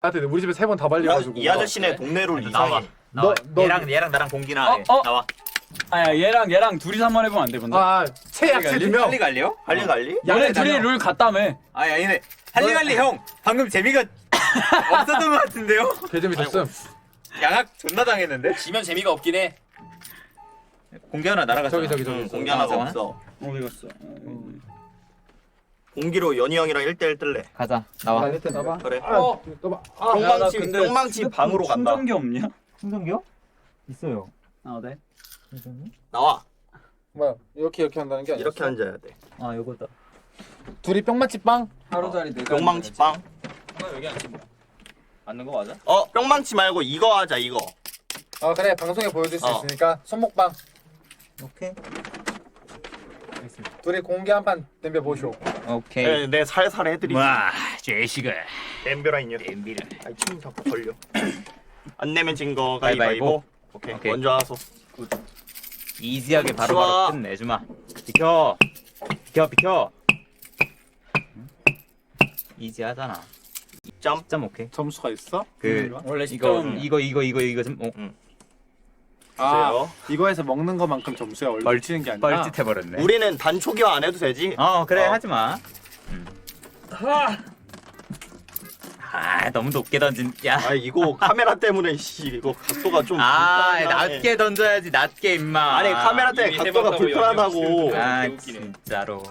나한테 우리 집에 3번 다 발려가지고. 이 아저씨네 동네로 나와. 이상해. 너 얘랑 나랑 공기나 해. 나와. 아야 얘랑 둘이서 한번 해보면 안 돼 근데? 최약체 2명. 할리갈리요? 할리갈리? 너네 둘이 룰 같다며. 아야 얘네 할리갈리 형 방금 재미가 없었던 것 같은데요? 개재미 줬음. 양악 존나 당했는데? 지면 재미가 없긴 해. 공기 하나 날아갔어. 저기. 공기 하나가 상황? 없어. 어디 갔어? 공기로 연희 형이랑 1대1 뜰래. 가자. 나와. 나봐. 그래. 너봐. 뿅망치 근데 뿅망치 방으로 간다. 충전기 없냐? 충전기요? 있어요. 네. 나와. 뭐야? 이렇게 한다는 게 아니야. 이렇게 앉아야 돼. 아 요거다. 둘이 뿅맛집 빵. 하루짜리 내가 뿅망치 빵. 여기 앉지 뭐. 앉는 거 맞아? 뿅망치 말고 이거 하자 이거. 그래 방송에 보여줄 수 어. 있으니까 손목빵. 오케이. 둘이 공개 한 판 덤벼 보쇼. 오케이. 내 살살 해드리지. 와, 제시가 댐벼라 이녀. 엠비를. 아이 침 자꾸 걸려. 안 내면 진 거 가위바위보. 오케이. 오케이. 먼저 하소. 이지하게 좋아. 바로 끝내주마. 비켜. 이지하잖아. 2점. 10점 오케이. 점수가 있어? 원래 이거 10점. 이거 좀 주세요. 이거에서 먹는 것만큼 점수야. 원래 멀치는 게 아니라. 뻘짓해버렸네. 우리는 단초기화 안 해도 되지. 그래 하지마. 너무 높게 던진. 야. 아 이거 카메라 때문에 이거 각도가 좀 낮게 던져야지 낮게 임마. 아니 카메라 때문에 이미 각도가 해봤다고 불편하다고. 아 웃기네. 진짜로.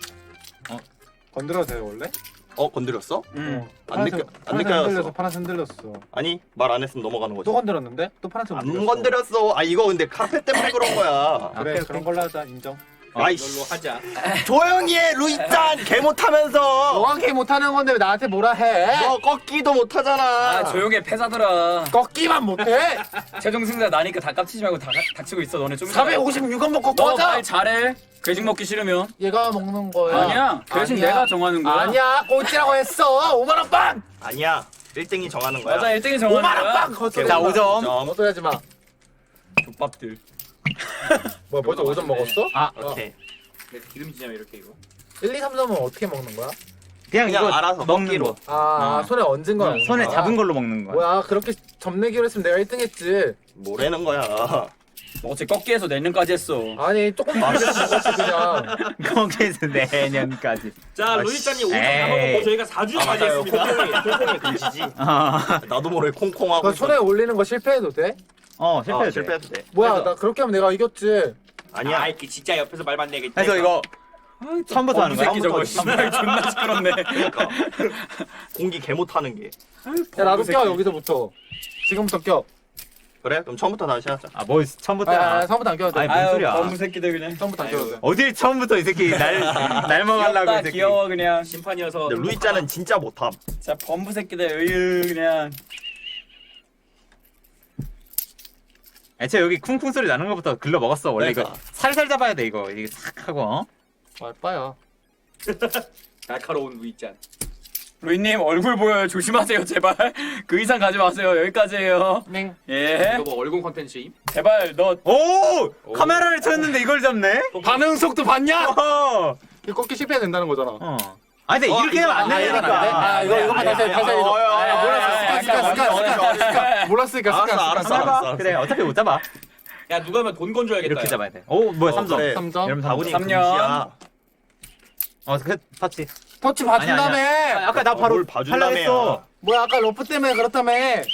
건드려도 돼요 원래? 건드렸어? 안 느껴 안 흔들렸어. 느껴졌어. 파란색 흔들렸어. 아니 말 안 했으면 넘어가는 거지. 또 건드렸는데? 또 파란색 안 건드렸어. 이거 근데 카페 때문에 그런 거야. 그래 오케이, 그런 걸로 하자 인정. 아이씨. 이걸로 하자. 조용히 해 루이짠 개 못하면서. 너가 개 못하는 건데 왜 나한테 뭐라 해? 너 꺾기도 못하잖아. 조용히 해 패사들아. 꺾기만 못해? 최종 승자 나니까 다 깝치지 말고 다 닥치고 있어 너네 좀. 456원 먹고 너 꺼져. 말 잘해. 괴식 먹기 싫으면. 얘가 먹는 거야. 아니야. 괴식 아니야. 내가 정하는 거야. 아니야 꼴찌라고 했어. 5만 원 빵. 아니야. 1등이 정하는 거야. 맞아 1등이 정하는 5만 원 거야. 빵. 헛소리 자, 하지 마. 5점. 헛소리 하지 마. 족밥들. 뭐야 벌써 5점 먹었어? 오케이. 기름지냐면 이렇게 이거. 1, 2, 3점은 어떻게 먹는 거야? 그냥 그냥 이거 알아서 먹는 먹기로. 거. 손에 얹은 거야. 손에 잡은 걸로 먹는 거야. 뭐야 그렇게 점내기로 했으면 내가 1등 했지. 뭐라는 거야. 너 어째 꺾기에서 내년까지 했어. 아니 조금 많이 먹었지 그냥. 거기에서 내년까지. 자 루이짠이 5점 에이. 남아먹고 저희가 4주까지 했습니다. 콩콩이 금지지. 나도 모르게 콩콩하고. 그 손에 올리는 거 실패해도 돼? 실패해도 돼. 실패해도 돼. 뭐야 그래서- 나 그렇게 하면 내가 이겼지. 아니야. 아이 진짜 옆에서 말만 내게. 그래서 이거 처음부터 하는 거야? 새끼 저거 씨발 존나 시끄럽네. 그러니까 공기 개 못하는 게. 야 나도 껴 여기서부터. 지금부터 껴. 그래? 그럼 처음부터 다시 하자. 뭐 처음부터 처음부터 안 껴도 돼. 아니, 뭔 소리야. 범부 새끼들 그냥. 처음부터 안 껴도 돼. 어딜 처음부터 이 새끼 날 먹으려고 귀엽다 이 새끼. 귀여워 그냥. 심판이어서. 근데 루이짜는 진짜 못함. 자 범부 새끼들 으유 그냥. 애초에 여기 쿵쿵 소리 나는 것부터 글러 먹었어. 원래 그러니까. 이거 살살 잡아야 돼 이거. 이게 싹 하고. 말빠야. 날카로운 루이짠. 루이님 얼굴 보여요 조심하세요 제발. 그 이상 가지 마세요 여기까지예요. 맹. 예. 이거 뭐 얼굴 컨텐츠임? 제발 너. 오! 카메라를 쳤는데 이걸 잡네? 반응 속도 봤냐? 어. 이거 꺾기 실패해야 된다는 거잖아. 아니 근데 이렇게 하면 안 되니까. 이거만 다시 해. 몰랐으니까 알았어. 그래 어차피 못 잡아. 야 누가 하면 돈 건져야겠다. 이렇게 잡아야 돼. 오 뭐야 3점. 그래. 3점. 여러분 바구니 3점. 금지야. 그 터치. 터치 봐준다며. 아까 나 바로 뭘 봐준다며야. 하려 했어. 뭐야 아까 러프 때문에 그렇다며.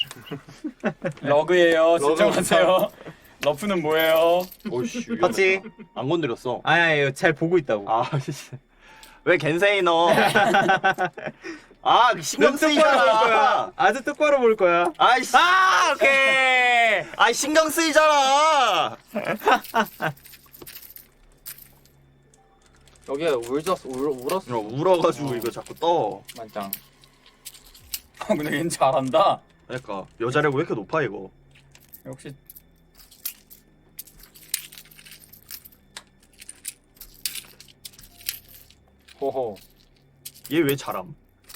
러그예요 진정하세요. 러프는 뭐예요? 오씨. 터치. 안 건드렸어. 아니 잘 보고 있다고. 아 씨. 왜 겐세이 너? 신경 쓰이잖아. 아주 똑바로 볼 거야. 아이씨. 오케이. 신경 쓰이잖아. 여기에 울었어. 울어가지고 이거 자꾸 떠. 만짱. 근데 얘는 잘한다. 그러니까 여자력 왜 이렇게 높아 이거? 역시. 호호. 얘 왜 잘함?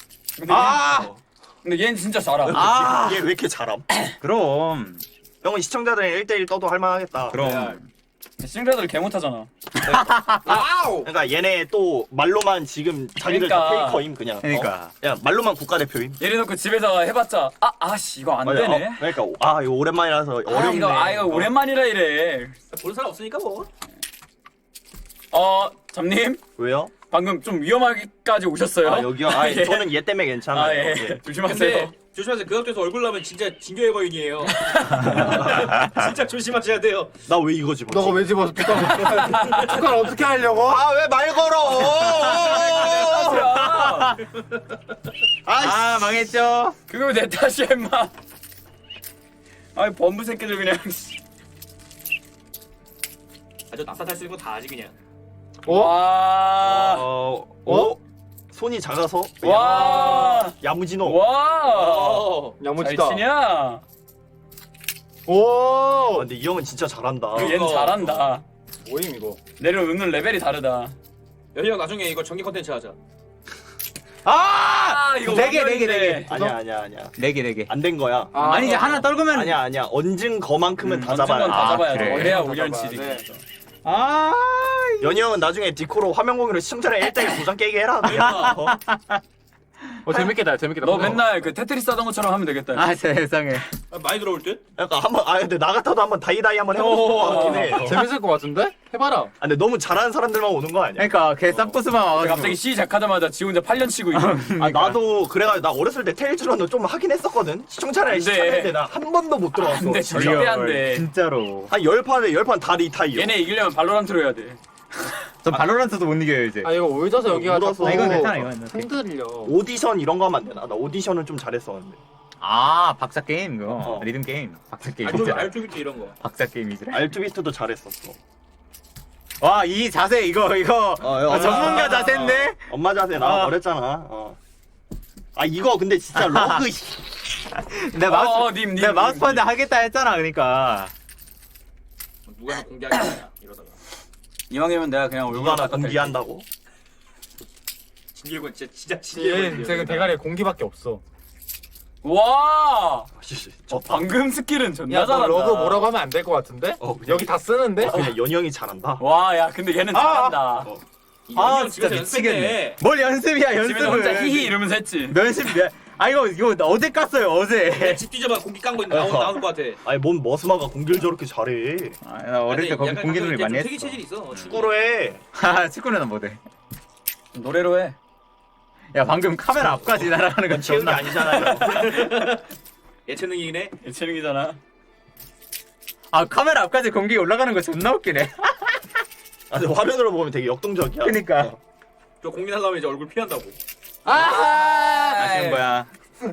근데 얘는 진짜 잘함. 얘 왜 이렇게 잘함? 그럼. 형은 시청자들이랑 1대1 떠도 할만하겠다. 그럼. 시청자들 개 못하잖아. 와우. 그러니까 얘네 또 말로만 지금 자기들 다 그러니까. 페이커임 그냥. 그러니까. 야 말로만 국가대표임. 예를 놓고 집에서 해봤자 아씨 이거 안 맞아, 되네. 그러니까 이거 오랜만이라서 어렵네. 이거 오랜만이라 이래. 보는 사람 없으니까 뭐. 잠님 왜요? 방금 좀 위험하게까지 오셨어요. 아 여기요? 예. 저는 얘 때문에 괜찮아요. 아, 예. 예. 조심하세요. 근데 조심하세요. 그 앞에서 얼굴 나면 진짜 진교의 거인이에요. 진짜 조심하셔야 돼요. 나 왜 이거 집었지? 너가 왜 집어서 축구를 어떻게 하려고? 아 왜 말 걸어? 아 망했죠. 그거 내 탓이야 임마. 아이 범부 새끼들 그냥. 아주 납사탈 쓰는 거 다 하지 그냥. 와. 손이 작아서 와. 야무지노. 와. 어. 잘 야무지다. 치냐? 오. 근데 이 형은 진짜 잘한다. 얘는 잘한다. 뭐임 이거? 내려오는 레벨이 다르다. 여희 형 나중에 이거 정기 컨텐츠 하자. 이거 네 개, 완전인데. 네 개. 아니야. 4개. 안 된 거야. 아니 이제 하나 떨구면 아니야. 얹은 거만큼은 다 언젠간 잡아야 돼. 다 잡아야 그래. 돼. 그래야 다 5년 잡아야 치지. 돼. 아 연희 형은 나중에 디코로 화면 공유로 시청자랑 1대1 도장 깨게 해라. 그냥. 재밌겠다. 재밌겠다. 너 맨날 그 테트리스 하던 것처럼 하면 되겠다. 세상에. 아, 많이 들어올 듯? 약간 한번 근데 나 같아도 한번 다이다이 한번 해보고 싶을 것 같긴 해. 재밌을 것 같은데? 해봐라. 근데 너무 잘하는 사람들만 오는 거 아니야? 그러니까 걔 싹보스만 와가지고. 갑자기 시작하자마자 지 혼자 8년 치고 있어. 나도 그래가지고 나 어렸을 때 테일즈런을 좀 하긴 했었거든. 시청자랑 안 돼. 시청했는데 나 한 번도 못 들어왔어. 안 돼, 진짜. 절대 안 돼. 진짜로. 한 10판에 다 리타이어. 얘네 이기려면 발로란트로 해야 돼. 저 발로란트도 못 이겨요 이제. 아 이거 울져서 여기가 울어서. 자꾸 아, 이건 괜찮아, 이건 괜찮아. 흔들려. 오디션 이런 거 하면 안 되나? 나 오디션은 좀 잘했었는데. 아 박사 게임 그거. 리듬 게임. 박사 게임. 알투비트 이런 거. 박사 게임이지. 알투비스트도 잘했었어. 와 이 자세 이거 전문가 자세인데. 엄마 자세 나 버렸잖아. 이거 근데 진짜 러그. 내 마우스 님, 내 마우스판데 하겠다 했잖아 그러니까. 누가 하나 공개하겠냐 이러다가. 이왕이면 내가 그냥 얼굴 누가 하나 바꿔 공개한다고? 진교의 거인 진짜 얘 진교의 제가 대가리에 공기밖에 없어. 와. 저 방금 스킬은 존나 야, 너 잘한다. 러그 뭐라고 하면 안 될 것 같은데? 그냥- 여기 다 쓰는데? 그냥 연희 형이 잘한다. 와, 야, 근데 얘는 잘한다. 진짜 미치겠네. 뭘 연습이야 집에서 혼자 연습을. 히히 이러면서 했지. 연습. 이거 어제 깠어요 어제. 집 뒤져봐 공기 깐 거 나올 것 같아. 아니 뭔 머스마가 공기를 저렇게 잘해. 나 어릴 때 거기 약간 공개놀이 가끔 많이 이제 좀 특이 했어. 체질이 있어. 축구로 해. 축구는 못해. 노래로 해. 야 방금 카메라 앞까지 날아가는 건 채운 게 존나. 아니잖아요. 예체능이긴 해. 예체능이잖아. 카메라 앞까지 공기 올라가는 거 존나 웃기네. 근데 화면으로 보면 되게 역동적이야. 그니까. 저 공기 날라면 이제 얼굴 피한다고. 아쉬운 거야.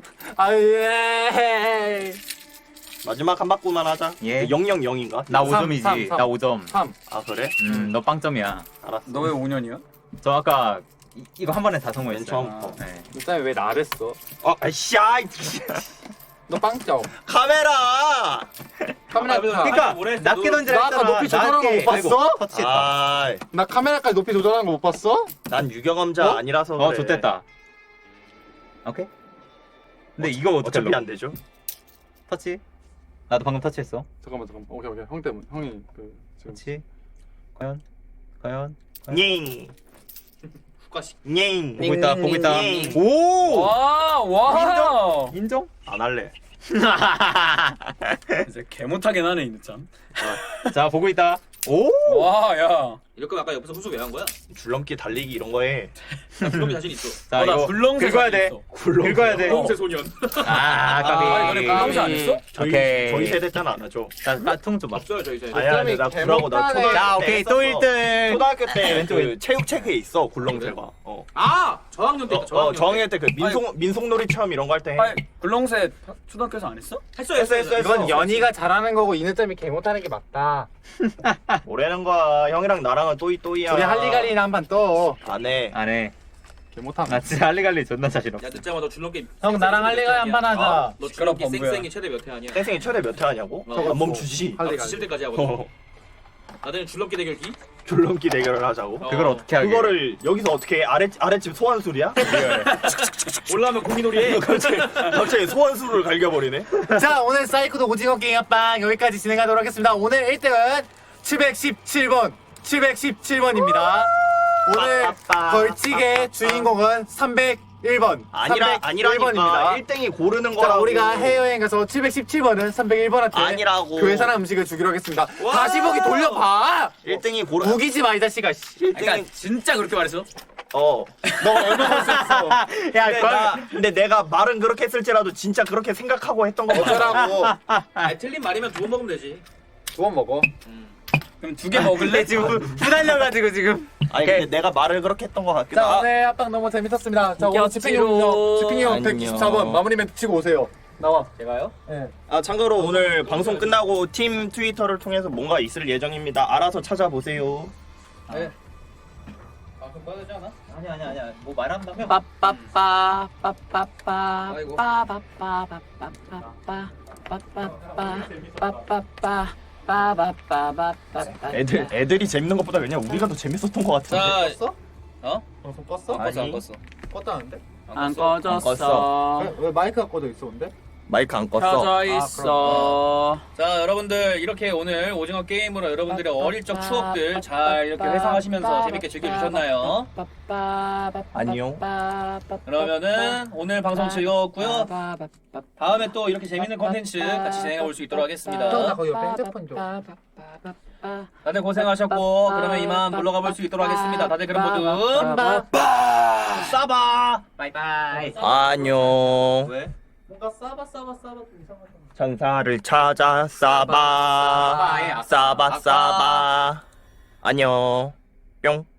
예. 마지막 한 바퀴만 하자. 예. 000인가? 나 삼, 5점이지. 삼. 나 5점. 3. 아 그래? 너 빵점이야. 알았어. 너 왜 5년이야? 저 아까 이거 한 번에 다 맨 성공했어요. 처음. 네. 일단 왜 나를 써? 아이씨, 아이, 너 빵점. 카메라. 카메라 그러니까 뭐래? 낮게 너- 던지라 나 아까 했잖아. 높이 조절한 거못 봤어? 터치했다. 나 카메라까지 높이 조절하는 거 못 봤어? 난 유경험자 아니라서 그래. 좋댔다. 오케이. 근데 이거 어떻게 어차피 안 되죠. 터치? 나도 방금 터치했어. 잠깐만. 오케이. 형 때문에. 형이 그 지금 터치. 과연. 녜. 후가식. 녜. 보고 있다. 녜. 오! 와. 인정? 안 할래. 이제 개 못하긴 하네, 이 늦잠. 자, 보고 있다. 오! 와, 야. 이럴 거면 아까 옆에서 후수 왜 한 거야? 줄넘기 달리기 이런 거 해. 나 불러기 자신 있어. 자, 나 이거 굴렁쇠 긁어야 자신 돼. 있어. 긁어야 돼. 굴렁쇠 소년. 까비. 너네 굴렁쇠 안 했어? 오케이. 저희 세대 때는 안 하죠. 자, 퉁 좀 봐. 없어요 저희 세대. 아니야, 근데 나 개 굴하고 나 못하네. 초등학교 자, 때 오케이. 또 했었어. 1등. 초등학교 때 왼쪽에. 그 체육 책에 있어 굴렁쇠가. 저학년 때. 저학년 때 그 민속놀이 체험 이런 거 할 때 해. 아니, 굴렁쇠 초등학교에서 안 했어? 했어. 이건 연희가 잘하는 거고 이느점이 개 못하는 게 맞다. 뭐라는 거야. 형이랑 나랑은 또이또이야. 우리 할리갈리나 한 판 떠. 안 해. 안 해. 개 못함. 나 진짜 할리갈리 존나 자신 없어. 야 늦자마자 줄넘기. 형 나랑 할리갈리 한 판 하자. 너 시끄럽 줄넘기 범부야. 쌩쌩이 최대 몇 회 하냐? 땡생이 최대 몇 회 하냐고? 어. 안 멈추지. 나 할리갈리. 지칠 때까지 하거든. 어. 나중에 줄넘기 대결기. 줄넘기 대결을 하자고. 그걸 어떻게 하게? 그거를 여기서 어떻게 해? 아랫집 소환술이야? 올라오면 공기놀이 해. 갑자기 소환술을 갈겨버리네. 자 오늘 사이코도 오징어 게임빵 여기까지 진행하도록 하겠습니다. 오늘 1등은 717번 717번입니다. 오늘 빠빠빠. 벌칙의 주인공은 301번 아니라니까 1등이 고르는 자, 거라고. 우리가 해외여행 가서 717번은 301번한테 아니라고. 교회 사람 음식을 주기로 하겠습니다. 와. 다시 보기 돌려봐. 1등이 고르. 우기지 마 이 자식아. 씨. 1등이 그러니까 진짜 그렇게 말했어? 어. 너 얼마 벌었어? 야, 근데 내가 말은 그렇게 했을지라도 진짜 그렇게 생각하고 했던 거 맞아. 어쩌라고? 아 틀린 말이면 2번 먹으면 되지. 두 번 먹어. 그럼 2개 먹을래? 지금 부달려가지고 지금. 아니 근데 내가 말을 그렇게 했던 거 같기도 자, 하고. 오늘 합방 너무 재밌었습니다. 자, 오늘 웃겼지로. 집행용 안녕. 194번 마무리 멘트 치고 오세요. 나와. 제가요? 예. 아 참고로 오늘 방송 끝나고 팀 트위터를 통해서 뭔가 있을 예정입니다. 알아서 찾아보세요. 네. 방송 꺼내지 않아? 아니야. 뭐 말한다며? 빠빠빠 빠빠빠 아이고. 빠바빠바빠빠빠 빠빠빠 빠바빠바빠빠 애들이 재밌는 것보다 그냥 우리가 더 재밌었던 것 같은데. 자, 껐어? 어? 방송 껐어? 안 껐어. 아니. 껐다는데? 안 껐어. 꺼졌어 왜 마이크가 꺼져 있어 근데? 마이크 안 껐어. 켜져 있어 자, 여러분들 이렇게 오늘 오징어 게임으로 여러분들의 어릴 적 추억들 잘 이렇게 회상하시면서 재밌게 즐겨주셨나요? 안녕. 그러면은 오늘 방송 즐거웠고요. 다음에 또 이렇게 재밌는 컨텐츠 같이 진행해 볼 수 있도록 나 하겠습니다. 거기 옆에 핸드폰 좀. 다들 고생하셨고 그러면 이만 물러가 볼 수 있도록 하겠습니다. 다들 그럼 모두 싸바. 바이바이. 안녕. 왜? 뭔가 싸바 좀 이상하잖아. 천사를 찾아 싸바. 싸바. 안녕. 뿅.